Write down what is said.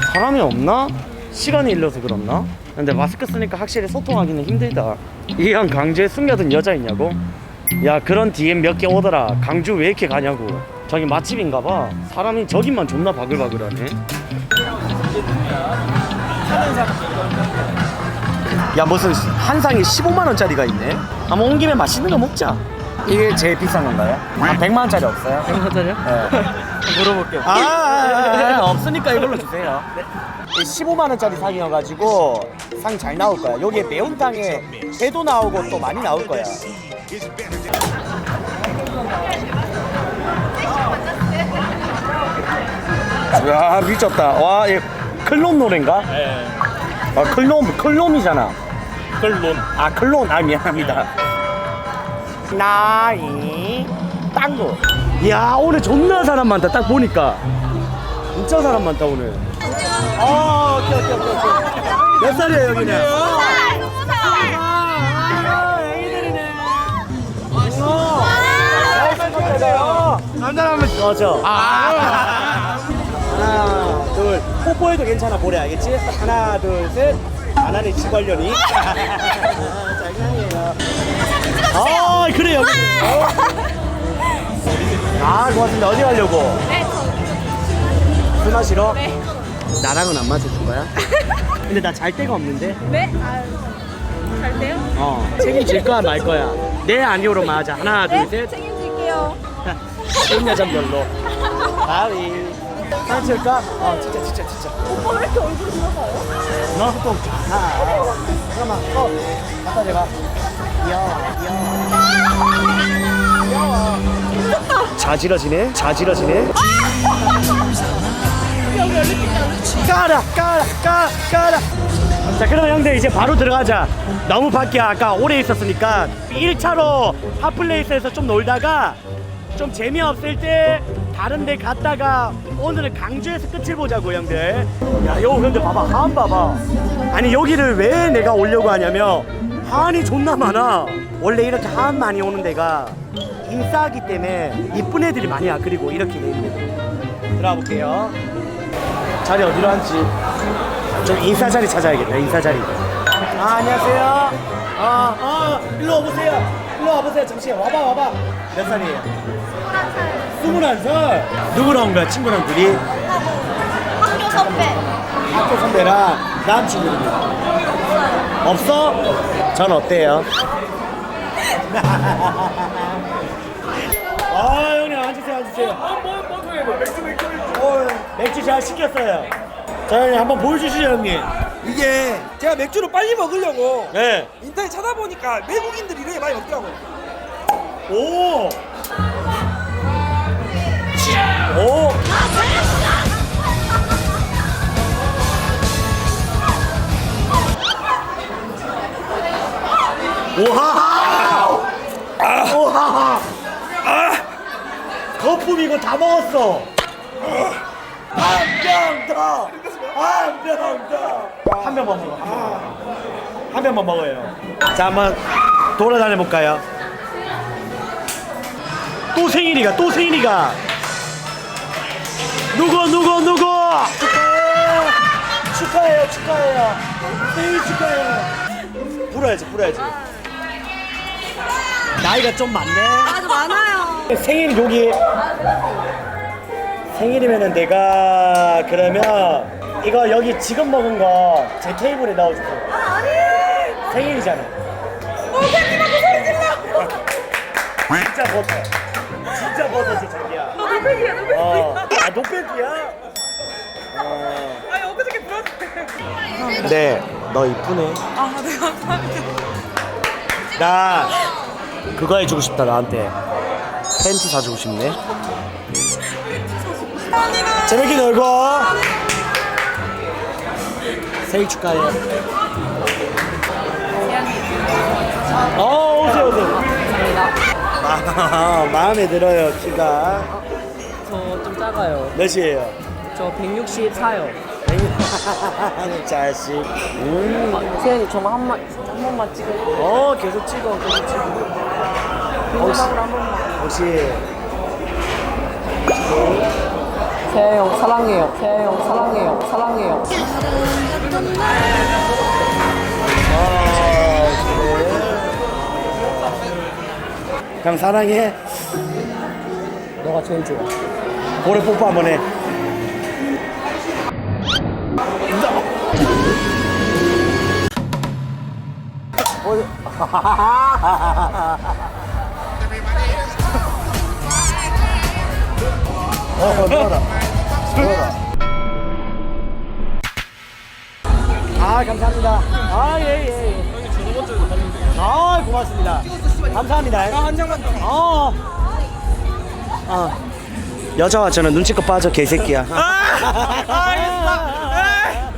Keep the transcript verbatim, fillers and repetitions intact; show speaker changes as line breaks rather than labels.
사람이 없나? 시간이 일러서 그렇나? 근데 마스크 쓰니까 확실히 소통하기는 힘들다. 이 형 강주에 숨겨둔 여자 있냐고? 야 그런 디엠 몇 개 오더라. 강주 왜 이렇게 가냐고. 저기 맛집인가봐. 사람이 저기만 존나 바글바글하네. 야 무슨 한 상에 십오만 원짜리가 있네. 한번 온 김에 맛있는 거 먹자. 이게 제일 비싼 건가요? 한 백만 원짜리 없어요?
백만 원짜리요?
네.
물어볼게요.
아, 아, 아 없으니까 이걸로 주세요. 네. 십오만 원짜리 상이어가지고 상 잘 나올 거야. 여기에 매운탕에 회도 나오고 또 많이 나올 거야. 야 미쳤다. 와, 얘 클론 노래인가?
네.
아 클론 클론이잖아.
클론.
아 클론. 아 미안합니다. 나이 땅고. 야 오늘 존나 사람 많다. 딱 보니까 진짜 사람 많다 오늘. 아 오케이 오케이 오케이 오케이. 몇 살이에요 여기는? 남자라면 맞아. 아 하나 둘 뽀뽀해도 괜찮아 보래. 알겠지? 하나 둘 셋. 하나는 지관련이. 장난이에요. 아 그래 여기. 아 고맙습니다. 어디 가려고?
네.
술 마시러?
네.
나랑은 안 마셔줄 거야? 근데 나 잘 데가 없는데?
네? 아, 잘 돼요?
어 책임질 거야 말 거야? 네 아니오로만 하자. 하나
네?
둘셋.
책임질게요.
인여점 별로. 바위 사진 찍을까? 어 진짜 진짜 진짜.
오빠 왜 이렇게 얼굴이 들어가요?
너또 좋다. 잠깐만 어 갖다 대봐. 귀여워 귀여워. 자지러지네 자지러지네.
여기 얼른 찍자.
까라 까라 까라 까라. 자 그러면 형들 이제 바로 들어가자. 너무 밖에 아까 오래 있었으니까 일 차로 핫플레이스에서 좀 놀다가 좀 재미없을 때 다른 데 갔다가 오늘은 강주에서 끝을 보자고 형들. 야 요 근데 봐봐 하안 봐봐. 아니 여기를 왜 내가 오려고 하냐면 하안이 존나 많아. 원래 이렇게 하안 많이 오는 데가 인싸하기 때문에 이쁜 애들이 많이 와. 그리고 이렇게 돼 있는. 들어가 볼게요. 자리 어디로 앉지? 좀 인싸 자리 찾아야겠다. 인싸 자리. 아 안녕하세요. 아, 아 일로 와보세요. 일로 와보세요. 잠시만 와봐 와봐. 몇 살이에요?
스물한 살.
스물한 살. 누구랑 온 거야? 친구랑 둘이?
학교 선배.
학교 선배랑 남친구입니다. 없어? 전 어때요? 아 형님 앉으세요 앉으세요.
뭐뭐 소리해? 맥주 맥주 맥주.
어, 맥주 잘 시켰어요. 자 형님 한번 보여주시죠 형님.
이게 제가 맥주를 빨리 먹으려고
네.
인터넷 찾아보니까 외국인들이 이렇게 많이 먹더라고요.
오. 오. 오하하. 아. 오하하. 아. 거품 이거 다 먹었어. 한 병 더. 한 병 더. 한 병만 먹어. 한 병만 먹어요. 자 한번 돌아다녀 볼까요? 또 생일이가 또 생일이가. 누구 누구 누구. 축하해요 축하해요 축하해요. 생일 축하해요. 불어야지 불어야지. 나이가 좀 많네.
아주 많아요.
생일 여기. 생일이면은 내가 그러면 이거 여기 지금 먹은 거 제 테이블에 넣어주세요.
아, 아니.
생일이잖아.
어, 생일하고 소리 질러.
진짜 버터. 진짜 버터지 자기야.
너 노백이야, 노백.
어. 아 노백이야? 어.
아니 엊그저께 들었는데.
네, 너 이쁘네.
아, 네 감사합니다.
나 그거 해주고 싶다 나한테. 팬티 사주고 싶네. 재밌게 놀고. 생일 축하해. 어 오세요 오세요. 아, 마음에 들어요 키가.
저 좀 작아요.
몇이에요?
저 백육십사요.
자식. 음.
아, 세연이 저만 한, 번, 한 번만 찍어.
어 계속 찍어 계속 찍어. 혹시
한 번만.
혹시
세아 형 사랑해요. 세아 형 사랑해요. 사랑해요.
형 사랑해.
너가 제일 좋아.
볼에 뽀뽀 한번 해. 어, 넣어라. 넣어라. 아, 감사합니다. 아, 예, 예, 예. 아, 고맙습니다. 감사합니다.
한 장만 더.
어. 아. 여자와 저는 눈치껏 빠져 개새끼야.
아, 알겠어.